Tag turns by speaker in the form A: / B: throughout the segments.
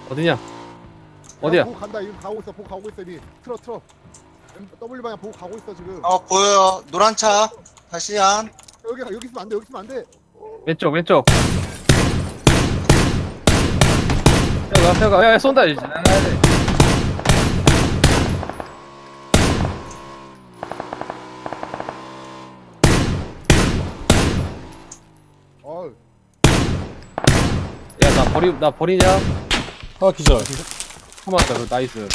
A: 어디냐? 어디야?
B: 보고 간다. 이거 가고 있어. 보고 가고 있어. 이미 틀어. W 방향 보고 가고 있어 지금.
C: 보여요. 노란 차. 다시 한.
B: 여기 있으면 안 돼. 여기 있으면 안 돼.
A: 왼쪽. 태워가. 야, 쏜다 이제.
B: 어.
A: 야, 나 버리냐?
D: 하나 기절.
A: 고맙다. 나이스.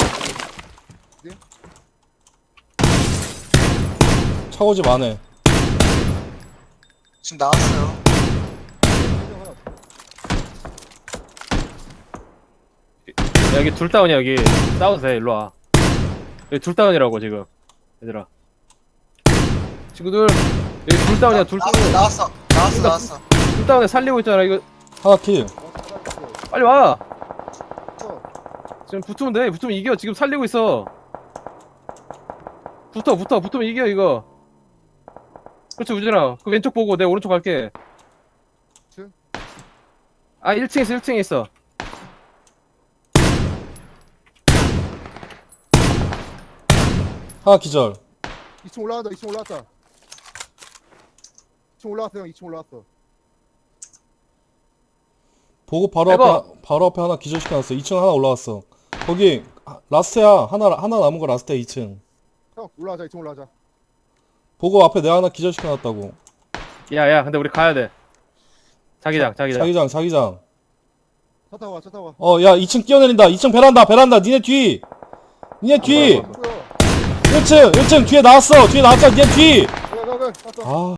D: 차고집 안에.
C: 지금 나왔어요.
A: 야, 여기 둘 다운이야. 여기 싸워도 돼. 일로 와. 여기 둘 다운이라고 지금. 얘들아. 친구들. 여기 둘 다운이야. 둘 다운.
C: 나왔어.
A: 둘 다운에 살리고 있잖아. 이거
D: 하나 킬.
A: 빨리 와. 지금 붙으면 돼. 붙으면 이겨. 지금 살리고 있어. 붙으면 이겨 이거. 그렇지 우진아. 그 왼쪽 보고 내 오른쪽 갈게.
B: 층?
A: 아 1층에 있어.
D: 하나 기절.
B: 2층 올라왔다. 2층 올라왔다. 2층 올라왔어 형. 2층 올라왔어.
D: 보고 바로
A: 해봐.
D: 앞에 하나 기절시켜놨어. 2층 하나 올라왔어. 거기 라스트야. 하나 남은 거 라스트야 2층.
B: 형 올라가자. 2층 올라가자.
D: 보고 앞에 내가 하나 기절시켜놨다고.
A: 야야 근데 우리 가야 돼. 자기장.
D: 자기장.
B: 차 타고 와.
D: 야 2층 뛰어내린다. 2층 베란다. 니네 뒤. 1층 뒤에 나왔어. 니네 뒤.
B: 가.
D: 아.